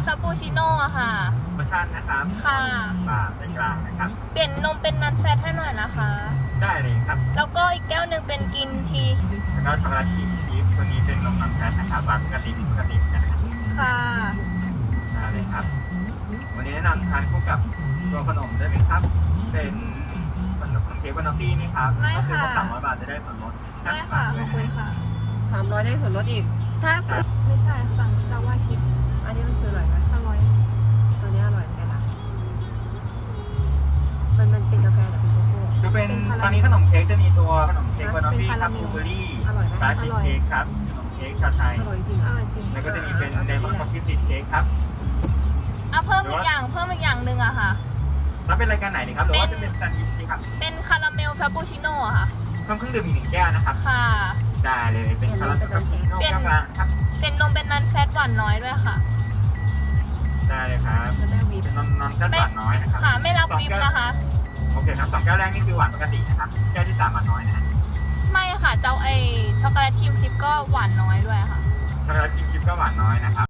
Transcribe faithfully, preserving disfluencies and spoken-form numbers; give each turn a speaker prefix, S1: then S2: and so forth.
S1: าปูชิโน่อะค่ะ
S2: เวอร์ชันนะครับ
S1: ค่ะ
S2: บาทเป็นกลางนะครับ
S1: เปลี่ยนนมเป็นนันแฟตให้หน่อยนะคะ
S2: ได้เลยครับ
S1: แล้วก็อีกแก้วหนึ่งเป็นกินที
S2: แล้วก็ช็อกโกแลตครีมชีสตัวนี้เป็นนมนมแท้นะครับบาทปกติปกตินะครับ
S1: ค่ะ
S2: ได้เลยครับ วันนี้แนะนำทานคู่กับตัวขนมได้ไหมครับ เป็นขนมเค้กวานาตี้นี่ครับ
S1: ไม่
S2: ก็คือ
S1: ค่ะ
S2: สามร้อยบาทจะได้ส่วนลด
S1: ไม่ค่ะขอบคุณค่ะ
S3: สามร้อยได้ส่วนลดอีก ถ้าซื้อ
S1: ไม่ใช่สั่งลาวาชิพ
S3: อันนี้มันคืออร่อยไหม
S1: อร่อย
S3: ตัวนี้อร่อยเหมือนกันนะมันมันเป็นกาแฟหรือเป็นโกโก้
S2: คือเป็นตอนนี้ขนมเค้กจะมีตัวขนมเค้กวานาตี้ครับบลูเบอร์รี่
S3: อร่อยไหม
S2: สายชีสเค้กครับขนมเค้กชาไทย
S3: อร่อยจริง
S1: อ
S3: อ่ะ
S1: ร่อยจริง
S2: แล้วก็จะมีเป็นเดมอนคอฟฟี่ซีสเค้กครับ
S1: อ่ะเพิ่มอีกอย่างเพิ่มอีกอย่างหนึ่งอะค่ะ
S2: แล้วเป็นรายการไหนดีครับหรือว่าจะเป็นแซนด์วิชดีครับ
S1: เป็นคาราเมลฟาปูชิโน่อะค่ะ
S2: เพิ่มเครื่องดื่มอีกหนึ่งแก้วนะครับ
S1: ค่ะ
S2: ได้เลยเป็นคาราเมลคาปูชิโน่แก้วกลางครับ
S1: เป็นนมเป็นนันแฟตหวานน้อยด้วยค่ะ
S2: ได้เลยครับ
S3: แล้วแม่วี
S2: เป็นนมนมแค่หวานน้อยนะครับ
S1: ค่ะไม่รับวิปนะคะ
S2: โอเคครับสองแก้วแรกนี่คือหวานปกตินะครับแก้วที่สามหวานน้อยนะฮะ
S1: ไม่ค่ะ เจ้าไอช็อกโกแลตครีมชิพก็หวานน้อยด้วยค่ะ
S2: ช็อกโกแลตชิพก็หวานน้อยนะครับ